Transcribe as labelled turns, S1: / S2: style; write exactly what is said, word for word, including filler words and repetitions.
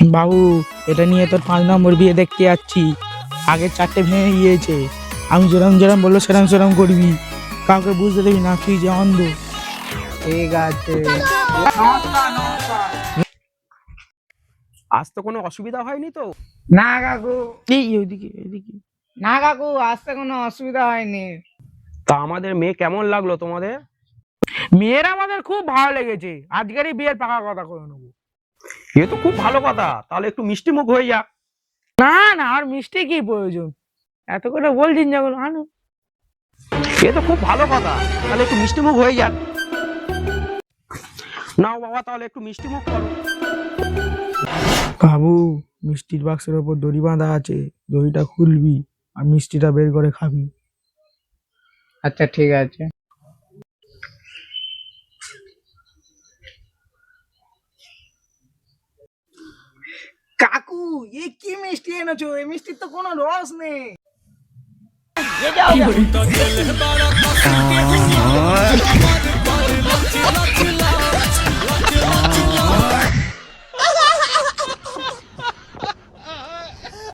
S1: বাবু এটা নিয়ে তোর পাঁচ নম্বর বিয়ে দেখতে যাচ্ছি। আগে চারটে ভেঙে গিয়েছে, আমি যেরম যেরম বললো সেরম সেরম করবি, কাউকে বুঝতে দেবি না তুই যে অন্ধ।
S2: ঠিক আছে।
S3: আজ তো কোনো অসুবিধা হয়নি তো?
S2: না কাকু,
S1: এই ওইদিকে ওইদিকে।
S2: না কাকু, আসতে কোনো অসুবিধা হয়নি।
S3: তা আমাদের মেয়ে কেমন লাগলো তোমাদের?
S1: মেয়ের আমাদের খুব ভালো লেগেছে, আজকেরই বিয়ের পাকা কথা করে নেবো।
S3: এ তো খুব ভালো কথা, তাহলে একটু মিষ্টি মুখ হয়ে যাক।
S1: না না, আর মিষ্টি কি প্রয়োজন, এত করে বলছেন যখন আনো।
S3: এ তো খুব ভালো কথা, তাহলে একটু মিষ্টি মুখ হয়ে যাক। নাও বাবা, তাহলে একটু মিষ্টি মুখ করো।
S1: বাবু মিষ্টির বাক্সের ওপর দড়ি বাঁধা আছে, দড়িটা খুলবি আর মিষ্টিটা বের করে খাবি।
S2: আচ্ছা ঠিক আছে। কাকু, এ কি মিষ্টি এনেছো? এই মিষ্টির তো কোনো রস নেই।
S4: ये क्या हो गया?